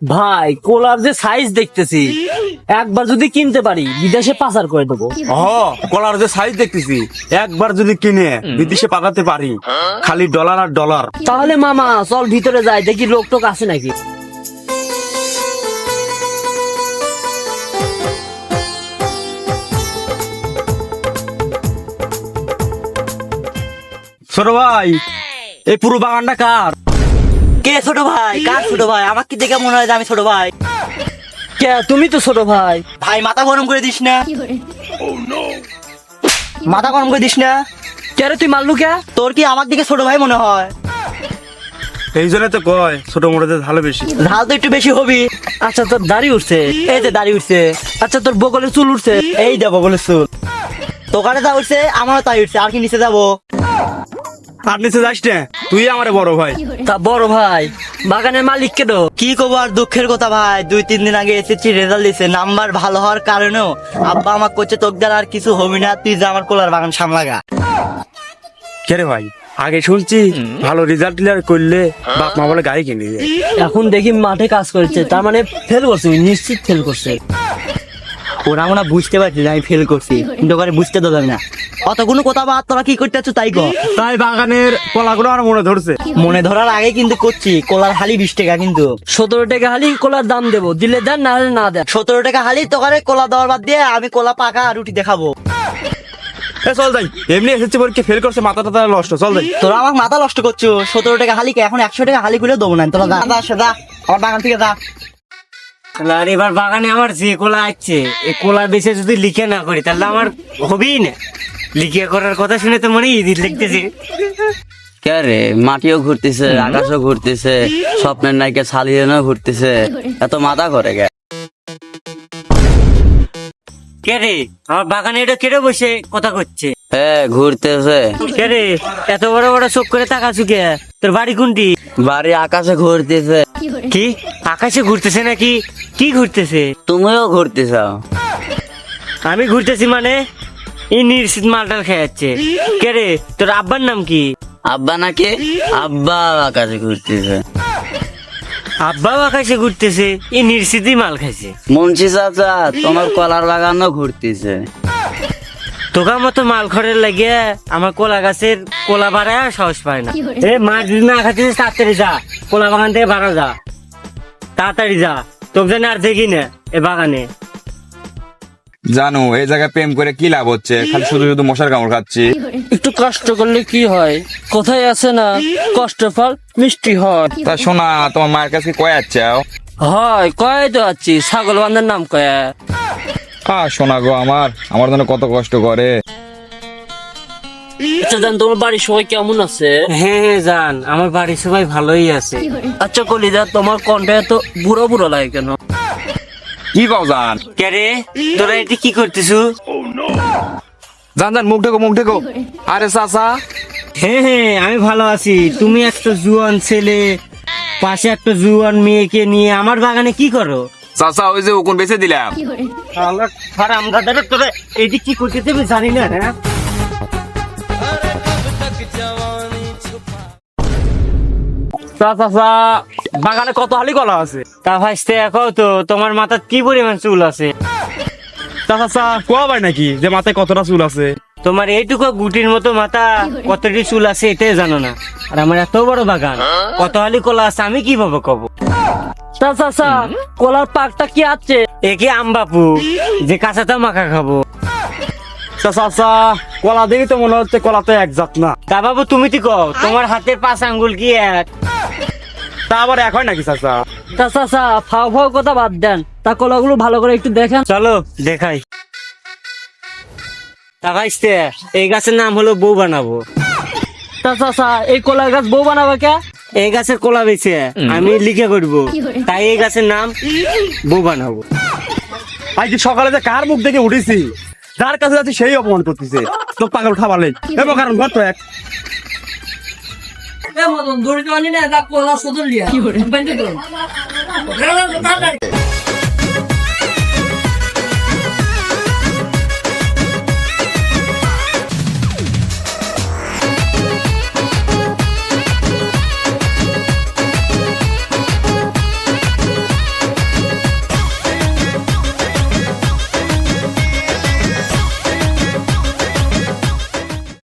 ভাই কোলার যে সাইজ দেখতেছি, একবার যদি কিনতে পারি বিদেশে পাচার করে দেবো। কলার যে সাইজ দেখতেছি, একবার যদি কিনে বিদেশে পাঠাতে পারি, খালি ডলার আর ডলার। তাহলে মামা চল ভিতরে যাই, দেখি লোক টোক আছে নাকি। ছোট ভাই, এই পুরো বাগানটা কার? কে ছোট ভাই? কার ছোট ভাই? আমার কি দেখে মনে হয় যে আমি ছোট ভাই? কে তুমি তো ছোট ভাই। ভাই মাথা গরম করে দিস না, মাথা গরম করে দিস না। কে রে তুই মারলু কে? তোর কি আমার দিকে ছোট ভাই মনে হয়? এই জন্য তো কয় ছোট মোড়াতে ভালো বেশি। ঝাল তো একটু বেশি হবি। আচ্ছা তোর দাড়ি উঠছে? এই যে দাড়ি উঠছে। আচ্ছা তোর বগলের চুল উঠছে? এই দেবো বলে চুল। তোকারে তা উঠছে, আমারও তাই উঠছে। আর কি নিচে যাবো? আর নিচে যাস না, তুই আমার বড় ভাই। তা বড় ভাই বাগানের মালিক কেন? কি করবো আর, দুঃখের কথা ভাই। 2-3 দিন আগে এসেছি, রেজাল্ট দিছে। নাম্বার ভালো হওয়ার কারণেও আব্বা আমাকে করছে, তোর দ্বারা আর কিছু হবি না, তুই যা আমার কোলার বাগান সামলাগা। কে রে ভাই, আগে শুনছি ভালো রেজাল্ট করলে বাপ মা বলে গাড়ি কিনে দেয়। এখন দেখি মাঠে কাজ করছে, তার মানে ফেল করছে, নিশ্চিত ফেল করছে। ওরা মনে হয় বুঝতে পারছি যে আমি ফেল করছি, কিন্তু ওখানে বুঝতে তো যাবে না। অতগুলো কথা বা তোরা কি করতে চাচ্ছ তাই কর। তাই বাগানের কলাগুলো আমার মনে ধরছে। মনে ধরার আগে কিন্তু করছি। কোলার হালি 20 টাকা, কিন্তু 17 টাকা হালি কোলার দাম দেবো, দিলে দেন না হলে না দেন। 17 টাকা হালি। তোকারে কোলা দেওয়ার বাদ দিয়ে আমি কোলা পাকা রুটি দেখাবো। চল যাই, এমনি এসেছে পরীক্ষা ফেল করছে, মাথা টাথা নষ্ট। চল যাই। তোরা আমার মাথা নষ্ট করছো। 17 টাকা হালি কে? এখন 100 টাকা হালি গুলো দেবো না। তোরা যা যা, আমার বাগান থেকে যা। আর এবার বাগানে আমার যে কোলা আছে, এই কোলা বেশি যদি লিখে না করি তাহলে আমার হবেই না। লিখে করার কথা শুনে তো মনে ইদির লিখতেছে। কে রে, মাটিও ঘুরতেছে, আকাশও ঘুরতেছে, স্বপ্নের নায়িকা শালিয়ানও ঘুরতেছে, এত মাথা করে গে? কে রে, আমার বাগানে এটা কেটে বসে কথা করছে? হ্যাঁ ঘুরতেছে। কে রে, এত বড় বড় চোখ করে তাকাছু কে? তোর বাড়ি কোনটি? বাড়ি আকাশে ঘুরতেছে। কি আকাশে ঘুরতেছে নাকি? কি ঘুরতেছে? তুমিও ঘুরতেছ? আমি ঘুরতেছি মানে? এই নিশ্চিত মালটাল খেয়ে যাচ্ছে। কে রে, তোর আব্বার নাম কি? আব্বা নাকি? আব্বা আকাশে ঘুরতেছে। আব্বাও আকাশে ঘুরতেছে, এই নিশ্চিতই মাল খাইছে। মুন্সি চাচা, তোমার কলার বাগানও ঘুরতেছে। তোকার মতো মাল খড়ের লাগিয়ে আমার কোলা গাছের কোলা বাড়ায় সাহস পায় না। এ মাছ যদি না খাচ্ছিস তাড়াতাড়ি যা, কোলা বাগান থেকে বাড়া যা, তাড়াতাড়ি যা। তোকে জানি আর দেখি না এ বাগানে। জানো এই জায়গায় প্রেম করে কি লাভ হচ্ছে? খালি শুধু শুধু মশার কামড় খাচ্ছি। একটু কষ্ট করলে কি হয়? কোথায় আছে না, কষ্ট ফল মিষ্টি হয়। তা শোনা, তোমার মায়ের কাছে কয়ে যাচ্ছাও? হয় কয় তো আছি, ছাগল বান্ধার নাম কয়া। শোনা গো, আমার জন্য কত কষ্ট করে। আচ্ছা জান, তোমার বাড়ির সবাই কেমন আছে? হ্যাঁ হ্যাঁ জান, আমার বাড়ির সবাই ভালোই আছে। আচ্ছা কলিজা, তোমার কণ্ঠ এত বুড়ো বুড়ো লাগে কেন? কি কও জান? কে রে, তোরা এটি কি করতেছু? জান জান, মুখ ঢেকো মুখ ঢেকো। আরে চাচা। হ্যাঁ হ্যাঁ আমি ভালো আছি। তুমি একটা জুয়ান ছেলে, পাশে একটা জুয়ান মেয়েকে নিয়ে আমার বাগানে কি করো? চাচা ওই যে উকুন বেঁচে দিলাম। তোরা এটি কি করতেছে আমি জানি না। হ্যাঁ চাচা বাগানে কত হালি কলা আছে? তা ভাইস্তে এখন তো তোমার মাথার কি পরিমাণ চুল আছে? চাচা কোয়া ভাই নাকি যে মাথায় কতটা চুল আছে? তোমার এইটুকু গুটির মতো মাথা, কতটি চুল আছে এটাই জানো না। আর আমার এত বড় বাগান, কত হালি কলা আছে আমি কিভাবে কব? চাচা কলার পাকটা কি আছে? একে আমবাপু যে কাঁচাটা মাখা খাবো। চাচা কলা দেখি তো মনে হচ্ছে কলা তো এক জাত না। তা বাবু তুমি তো কও, তোমার হাতের 5 আঙ্গুল কি এক? তা আবার এক হয় নাকি চাচা? তা চাচা ফাও ফাও কথা বাদ দেন, তা কলাগুলো ভালো করে একটু দেখেন। চলো দেখাই। তা ভাইস্তে এই গাছের নাম হলো বউ বানাবো। তা চাচা এই কলার গাছ বউ বানাবে কে? এই গাছের কোলা বেছে আমি লিখে করবো, তাই এই গাছের নাম বউ বানাবো। আজ সকালে যে কার মুখ দেখে উঠেছি, যার কাছে যাচ্ছি সেই অপমান করতেছে। তো পাগল খাবারলেই এবং কারণ ঘর তো এক। মতন দড়ি টানি না, কলা সদর লিয়া।